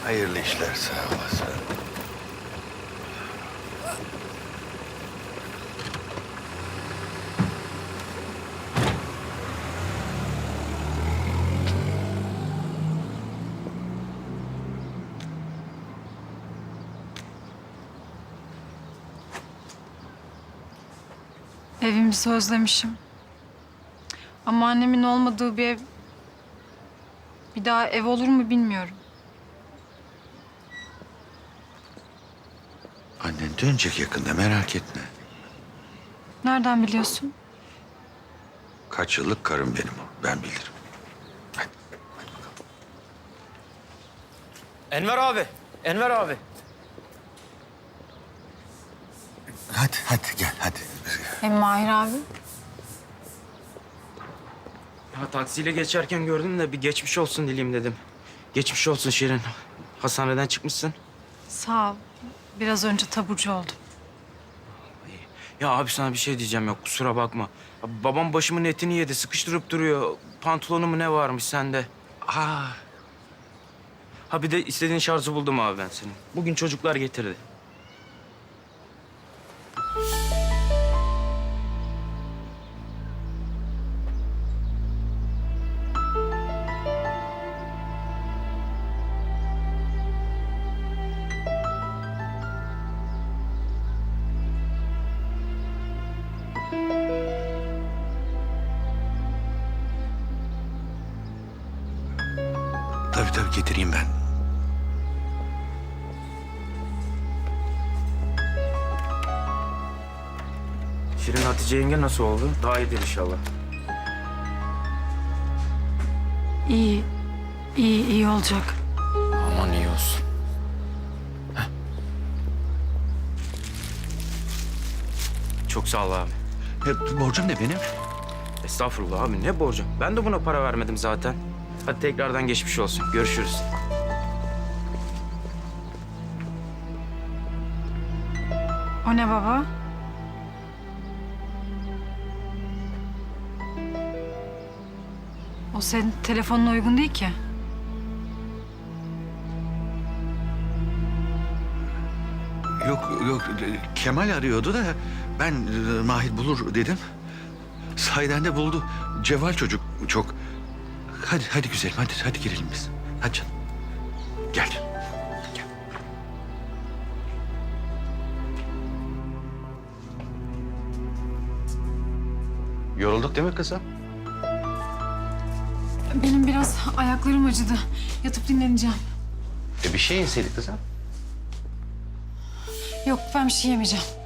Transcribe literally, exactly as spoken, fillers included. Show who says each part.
Speaker 1: Hayırlı işler sağ olasın.
Speaker 2: Evimizi özlemişim. Ama annemin olmadığı bir ev... bir daha ev olur mu bilmiyorum.
Speaker 1: Annen dönecek yakında, merak etme.
Speaker 2: Nereden biliyorsun?
Speaker 1: Kaç yıllık karım benim o, ben bilirim. Hadi, hadi bakalım.
Speaker 3: Enver abi, Enver abi.
Speaker 1: Hadi, hadi gel, hadi.
Speaker 2: Hem Mahir abi.
Speaker 3: Ya taksiyle geçerken gördüm de bir geçmiş olsun dileyim dedim. Geçmiş olsun Şirin. Hastaneden çıkmışsın.
Speaker 2: Sağ ol. Biraz önce taburcu oldum.
Speaker 3: Ya abi sana bir şey diyeceğim ya kusura bakma. Ya babam başımın etini yedi, sıkıştırıp duruyor. Pantolonu mu ne varmış sende? Aa. Ha bir de istediğin şarjı buldum abi ben senin. Bugün çocuklar getirdi.
Speaker 1: Tabii tabii getireyim ben.
Speaker 3: Şirin Hatice yenge nasıl oldu? Daha iyidir inşallah.
Speaker 2: İyi. İyi, iyi olacak.
Speaker 3: Aman iyi olsun. Heh. Çok sağ ol abi.
Speaker 1: Ya, borcum ne benim?
Speaker 3: Estağfurullah abi ne borcum? Ben de buna para vermedim zaten. Hadi tekrardan geçmiş olsun. Görüşürüz.
Speaker 2: O ne baba? O senin telefonuna uygun değil ki.
Speaker 1: Yok yok, Kemal arıyordu da ben e, Mahir bulur dedim. Sahiden de buldu. Cevval çocuk çok. Hadi hadi güzelim, hadi hadi girelim biz. Hadi canım. Gel. Gel. Yorulduk değil mi kızım?
Speaker 2: Benim biraz ayaklarım acıdı. Yatıp dinleneceğim.
Speaker 1: E bir şey yeseydik kızım.
Speaker 2: Yok ben bir şey yemeyeceğim.